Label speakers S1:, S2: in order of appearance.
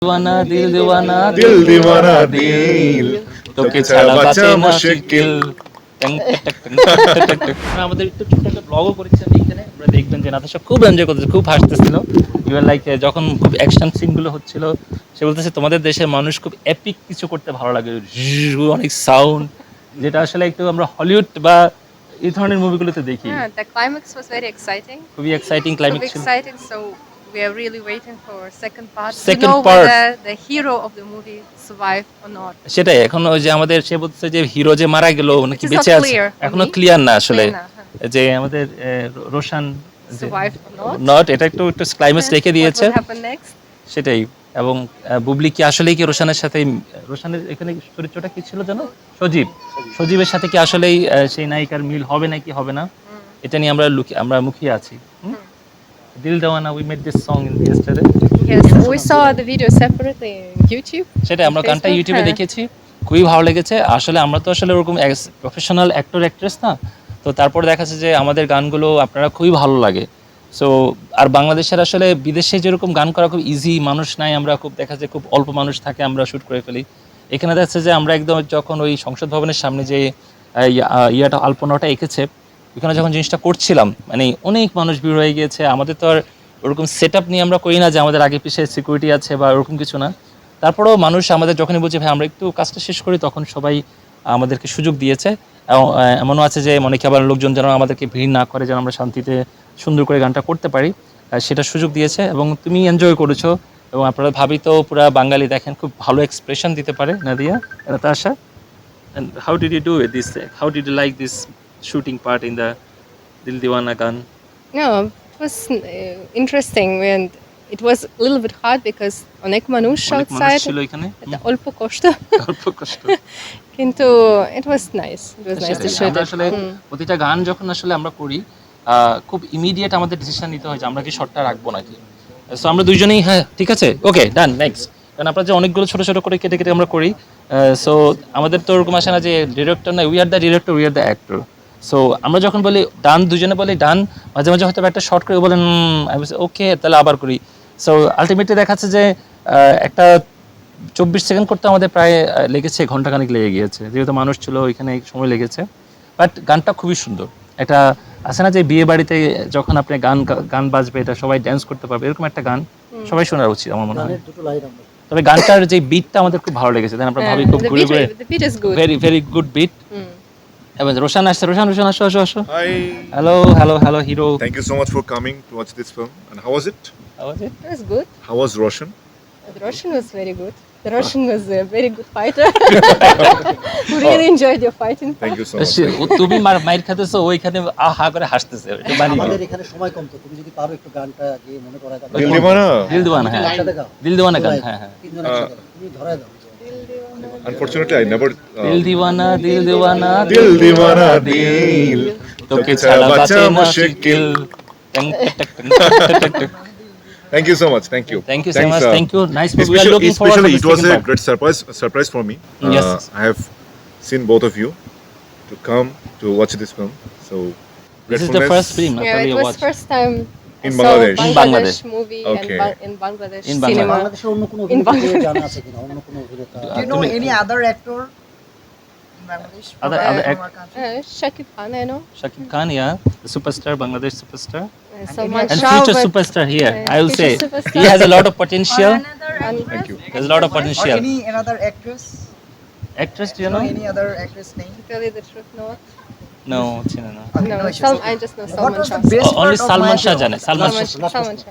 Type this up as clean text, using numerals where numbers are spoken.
S1: दीवाना दिल दीवाना
S2: दिल दीवाना दिल
S1: তোকে ছাড়া বাঁচে না মুশকিল আমাদের একটু ছোট একটা ব্লগও করেছি আমি এখানে আপনারা দেখবেন যে নাতাশা খুব এনজয় করতেছে খুব হাসতেছিল ইভেন লাইক যখন খুব অ্যাকশন সিনগুলো হচ্ছিল সে বলতেছে তোমাদের দেশের মানুষ খুব এপিক কিছু করতে ভালো লাগে অনেক সাউন্ড যেটা আসলে একটু আমরা হলিউড বা এই ধরনের মুভিগুলোতে দেখি
S3: Yeah, the climax was very exciting.
S1: খুবই এক্সাইটিং
S3: So
S1: ক্লাইম্যাক্স ছিল
S3: exciting. So we are really waiting for second part.
S1: Second
S3: to know
S1: part.
S3: whether the hero of the movie survived or not.
S1: সেটাই এখন ওই যে আমাদের সে বলতেছে যে hero যে মারা গেল নাকি
S3: It is not
S1: বেঁচে আছে
S3: clear for
S1: এখনো
S3: me.
S1: ক্লিয়ার না আসলে
S3: Clear না,
S1: যে আমাদের Roshan
S3: Survived or not.
S1: Not এটা একটু একটু ক্লাইম্যাক্স রেখে
S3: What
S1: দিয়েছে
S3: will happen next?
S1: সেটাই এবং বুবলি কি আসলেই কি রোশানের সাথে রোশানের এখানে চরিত্রটা কি ছিল জানো সজীবের সাথে কি আসলেই সেই নায়িকার মিল হবে নাকি হবে না এটা নিয়ে আমরা মুখিয়ে আছি Dil Deewana we made this song in yesterday
S3: Yes, we saw the video separately on YouTube.
S1: সেটা আমরা গানটা
S3: Facebook,
S1: ইউটিউবে
S3: হ্যাঁ।
S1: দেখেছি খুবই ভালো লেগেছে আসলে আমরা তো আসলে ওরকম প্রফেশনাল অ্যাক্টর অ্যাক্ট্রেস না তো তারপর দেখা যাচ্ছে যে আমাদের গানগুলো আপনারা খুবই ভালো লাগে সো আর বাংলাদেশের আসলে বিদেশে যেরকম গান করা খুব ইজি মানুষ নাই আমরা খুব দেখা যায় খুব অল্প মানুষ থাকে আমরা শ্যুট করে ফেলি এখানে দেখা যাচ্ছে যে আমরা একদম যখন ওই সংসদ ভবনের সামনে যে ইয়াটা আলপনাটা এঁকেছে ওখানে যখন জিনিসটা করছিলাম মানে অনেক মানুষ ভিড় হয়ে গিয়েছে আমাদের তো আর ওরকম সেট আপ নিয়ে আমরা করি না যে আমাদের আগে পিছিয়ে সিকিউরিটি আছে বা ওরকম কিছু না তারপরেও মানুষ আমাদের যখনই বলছে ভাই আমরা একটু কাজটা শেষ করি তখন সবাই আমাদেরকে সুযোগ দিয়েছে এমনও আছে যে অনেকে আবার লোকজন যেন আমাদেরকে ভিড় না করে যেন আমরা শান্তিতে সুন্দর করে গানটা করতে পারি সেটা সুযোগ দিয়েছে এবং তুমি এনজয় করেছো এবং আপনারা ভাবি তো পুরা বাঙালি দেখেন খুব ভালো এক্সপ্রেশন দিতে পারে Nadia Natasha and how did you do it this how did you like this shooting part in the Dil Diwana গান
S3: No, it was interesting and it was a little bit hard because অনেক মানুষ
S1: অনেক মানুষ
S3: outside.
S1: ছিল এখানে
S3: এটা অল্প কষ্ট
S1: অল্প কষ্ট
S3: কিন্তু it was nice. It was nice to
S1: সেটাই,
S3: shoot
S1: আমরা
S3: it.
S1: আসলে প্রতিটা গান যখন আসলে আমরা করি খুব ইমিডিয়েট আমাদের ডিসিশন নিতে হয় যে আমরা কি শটটা রাখবো নাকি সো আমরা দুইজনেই হ্যাঁ ঠিক আছে ওকে ডান নেক্সট কারণ আপনারা যে অনেকগুলো ছোট ছোট করে কেটে কেটে আমরা করি সো আমাদের তো ওরকম আসে না যে ডিরেক্টর না we are the director we are the actor so আমরা যখন বলি ডান দুজনে বলি ডান মাঝে মাঝে হয়তো একটা শর্ট করে বলেন ওকে তাহলে আবার করি সো আলটিমেটলি দেখাচ্ছে যে একটা 24 সেকেন্ড করতে আমাদের প্রায় লেগেছে ঘন্টাখানেক লেগে গিয়েছে যেহেতু মানুষ ছিল ওইখানে সময় লেগেছে বাট গানটা খুবই সুন্দর এটা আছে না যে বিয়ে বাড়িতে যখন আপনি গান বাজবে এটা সবাই ড্যান্স করতে পারবে এরকম একটা গান সবাই শোনা উচিত আমার মনে হয় তবে গানটার যে বিটটা আমাদের খুব ভালো লেগেছে তাই আমরা ভাবি খুব ঘুরে ঘুরে
S3: The beat is good.
S1: Very very good beat এবং রোশান আসছে রোশান আসো
S2: Hi.
S1: Hello hero
S2: Thank you so much for coming to watch this film. And how was it?
S3: It was good.
S2: How was Roshan?
S3: The Russian was very good. The Russian was a very good fighter. We really enjoyed your fighting.
S2: Thank you so much.
S1: তুমি মাইর খাতেছো ওইখানে হা করে হাসতেছে এটা বানি
S4: আমাদের এখানে সময় কম তো তুমি যদি পারো একটু গানটা গিয়ে মনে করা দাও
S2: Dil Diwana.
S1: দিল দিওয়ানা হ্যাঁ
S4: একসাথে গাও
S1: দিল দিওয়ানা গান হ্যাঁ
S4: তিনজন একসাথে গাও। তুমি ধরায় দাও
S2: Unfortunately, I never.
S1: দিল দিওয়ানা
S2: Dil Diwana Dil.
S1: তোকে ছাড়া বাঁচে না মুশকিল
S2: Thank you so much. Thank you.
S1: Thank you so
S2: Thanks,
S1: much. Thank you. Nice movie. We are
S2: Especially,
S1: looking forward to
S2: especially
S1: the
S2: it was
S1: second
S2: a
S1: part.
S2: great surprise for me.
S1: Yes.
S2: I have seen both of you to come to watch this film. So
S1: This is the
S2: gratefulness.
S1: first film
S3: Yeah,
S1: Natalia
S3: it was
S1: watched.
S3: first time
S2: In
S3: I saw
S2: Bangladesh.
S1: In
S3: Bangladesh
S1: Bangladesh.
S3: movie
S2: Okay.
S3: and in Bangladesh
S1: In Bangladesh.
S3: cinema.
S4: বাংলাদেশের অন্য কোনো
S3: In
S4: অভিনেতা জানা আছে কিনা অন্য কোনো অভিনেতা
S5: Do you know any other actor in Bangladesh?
S1: Other
S5: from
S1: act-
S5: our country?
S3: Shakib Khan, I know.
S1: Shakib Khan, yeah, the superstar, Bangladesh superstar,
S3: Salman
S1: and
S3: Shah.
S1: future
S3: but-
S1: superstar here.
S3: Yeah,
S1: I will say
S3: future superstar.
S1: he has a lot of
S5: Or
S1: potential.
S5: another
S3: And
S2: Thank you.
S1: There's a lot of
S5: or
S1: potential.
S5: any another actress?
S1: Actress, do
S5: Do
S1: you
S5: you know
S1: know?
S5: any other actress name?
S3: to tell you the truth, no.
S1: No, China, no.
S5: Okay,
S3: No,
S5: no issues.
S3: I just know
S5: What
S3: Salman
S5: was
S3: Shah.
S5: the best
S1: Only
S5: part of
S1: Salman
S5: my
S1: Shah
S5: film?
S1: jane. Salman Shah.
S3: Salman Shah.